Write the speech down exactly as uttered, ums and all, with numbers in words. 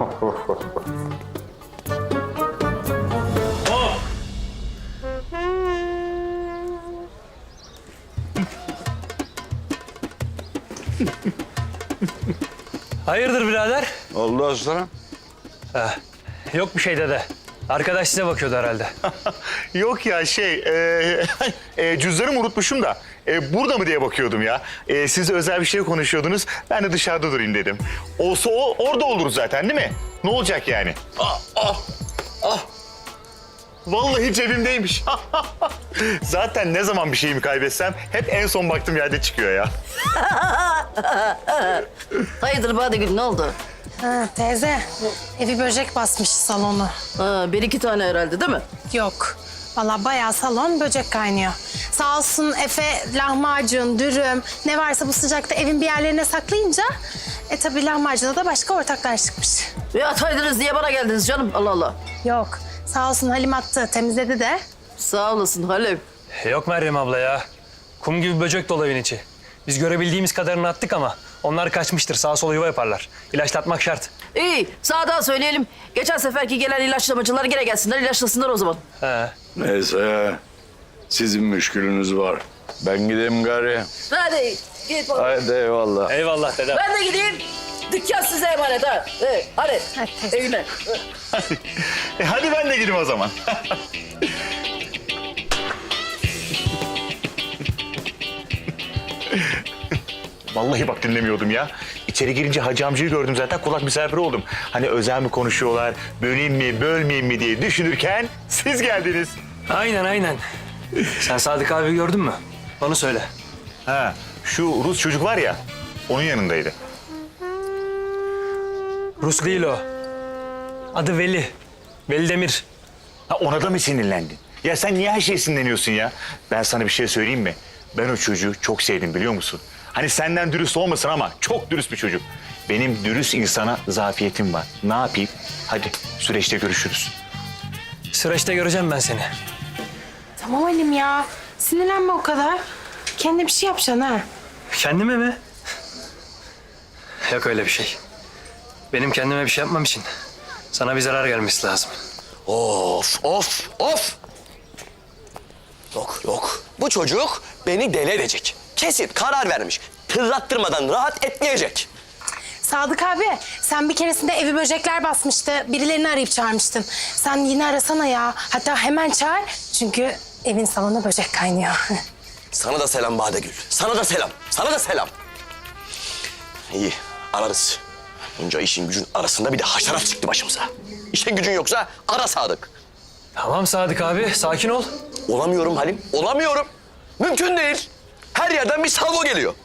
Hayırdır birader? Oldu aslanım. Ha, yok bir şey dede. Arkadaş size bakıyordu herhalde. Yok ya şey, e, e, cüzdanımı unutmuşum da e, burada mı diye bakıyordum ya. E, siz özel bir şey konuşuyordunuz, ben de dışarıda durayım dedim. Olsa o orada oluruz zaten değil mi? Ne olacak yani? Ah, ah, ah. Vallahi cebimdeymiş. Zaten ne zaman bir şeyimi kaybetsem hep en son baktığım yerde çıkıyor ya. Hayırdır Badegül, ne oldu? Ha, teyze, evi böcek basmış salonu. Ha, bir iki tane herhalde değil mi? Yok, vallahi bayağı salon böcek kaynıyor. Sağ olsun Efe lahmacun, dürüm, ne varsa bu sıcakta evin bir yerlerine saklayınca... E tabii lahmacuna da başka ortaklar çıkmış. Ya ataydınız diye bana geldiniz canım, Allah Allah. Yok, sağ olsun Halim attı, temizledi de. Sağ olasın Halim. Yok Meryem abla ya. Kum gibi böcek dolu evin içi. Biz görebildiğimiz kadarını attık ama onlar kaçmıştır. Sağa sola yuva yaparlar. İlaçlatmak şart. İyi, sağdan söyleyelim. Geçen seferki gelen ilaçlamacılar gene gelsinler, ilaçlasınlar o zaman. He. Neyse, sizin müşkülünüz var. Ben gideyim gari. Hadi git bakalım. Haydi eyvallah. Eyvallah dedem. Ben de gideyim. Dükkan size emanet ha. Evet, hadi. Hadi. Evine. E, hadi ben de gireyim o zaman. Vallahi bak dinlemiyordum ya. İçeri girince hacı amcayı gördüm zaten, kulak misafiri oldum. Hani özel mi konuşuyorlar, böleyim mi, bölmeyeyim mi diye düşünürken siz geldiniz. Aynen aynen. Sen Sadık abi gördün mü? Onu söyle. Ha, şu Rus çocuk var ya, onun yanındaydı. Rus değil o. Adı Veli. Veli Demir. Ha, ona da mı sinirlendin? Ya sen niye her şeye sinirleniyorsun ya? Ben sana bir şey söyleyeyim mi? Ben o çocuğu çok sevdim biliyor musun? Hani senden dürüst olmasın ama çok dürüst bir çocuk. Benim dürüst insana zafiyetim var. Ne yapayım? Hadi süreçte görüşürüz. Süreçte göreceğim ben seni. Tamam Halim ya, sinirlenme o kadar. Kendine bir şey yapacaksın ha. Kendime mi? Yok öyle bir şey. Benim kendime bir şey yapmam için sana bir zarar gelmesi lazım. Of, of, of! Yok, yok. Bu çocuk beni deli edecek. Kesin karar vermiş. Tırlattırmadan rahat etmeyecek. Sadık abi, sen bir keresinde evi böcekler basmıştı. Birilerini arayıp çağırmıştın. Sen yine arasana ya. Hatta hemen çağır. Çünkü evin salonu böcek kaynıyor. Sana da selam Badegül. Sana da selam. Sana da selam. İyi, ararız. Bunca işin gücün arasında bir de haşerat çıktı başımıza. İşin gücün yoksa ara Sadık. Tamam Sadık abi, sakin ol. Olamıyorum Halim, olamıyorum. Mümkün değil. Her yerden bir salvo geliyor.